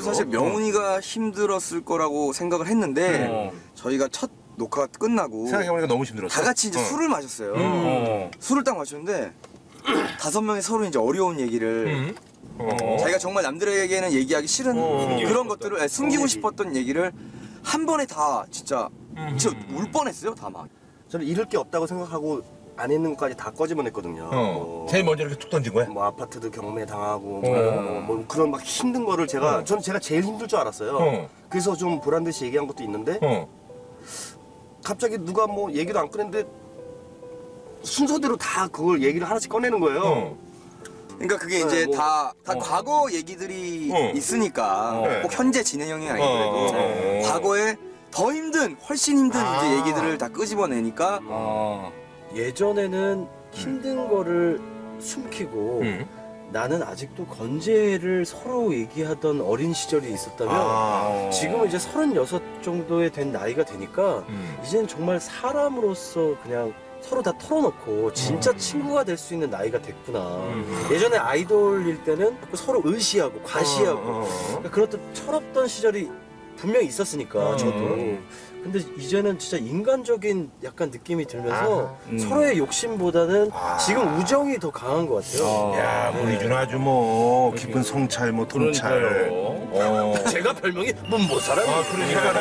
사실 명훈이가 힘들었을 거라고 생각을 했는데 저희가 첫 녹화가 끝나고 생각해보니까 너무 힘들었어. 다 같이 이제 술을 마셨어요. 술을 딱 마셨는데 5명이 서로 이제 어려운 얘기를 자기가 정말 남들에게는 얘기하기 싫은 그런 것들을 숨기고 싶었던 얘기를 한 번에 다 진짜 울 뻔했어요. 다 막. 저는 잃을 게 없다고 생각하고 안 있는 것까지 다 꺼집어냈거든요. 제일 먼저 이렇게 툭 던진 거야? 뭐 아파트도 경매 당하고 뭐 그런 막 힘든 거를 제가 제가 제일 힘들 줄 알았어요. 그래서 좀 보란 듯이 얘기한 것도 있는데 갑자기 누가 뭐 얘기도 안 꺼냈는데 순서대로 다 그걸 얘기를 하나씩 꺼내는 거예요. 그러니까 그게 이제 다 과거 얘기들이 있으니까 꼭 현재 진행형이 아니더라도 과거에 더 힘든 훨씬 힘든 이제 얘기들을 다 끄집어내니까 예전에는 힘든 거를 숨기고 나는 아직도 건재를 서로 얘기하던 어린 시절이 있었다면 지금은 이제 36 정도에 된 나이가 되니까 이제는 정말 사람으로서 그냥 서로 다 털어놓고 진짜 친구가 될 수 있는 나이가 됐구나. 예전에 아이돌일 때는 서로 의시하고 과시하고 그러니까 그렇던 철없던 시절이 분명히 있었으니까 저도. 근데 이제는 진짜 인간적인 약간 느낌이 들면서 서로의 욕심보다는 지금 우정이 더 강한 것 같아요. 야, 우리 준 아주 뭐 깊은 성찰, 뭐 통찰. 제가 별명이 문모사람.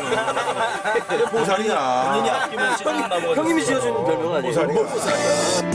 보살이야. 형님이 지어준 별명 아니에요? 보살이야.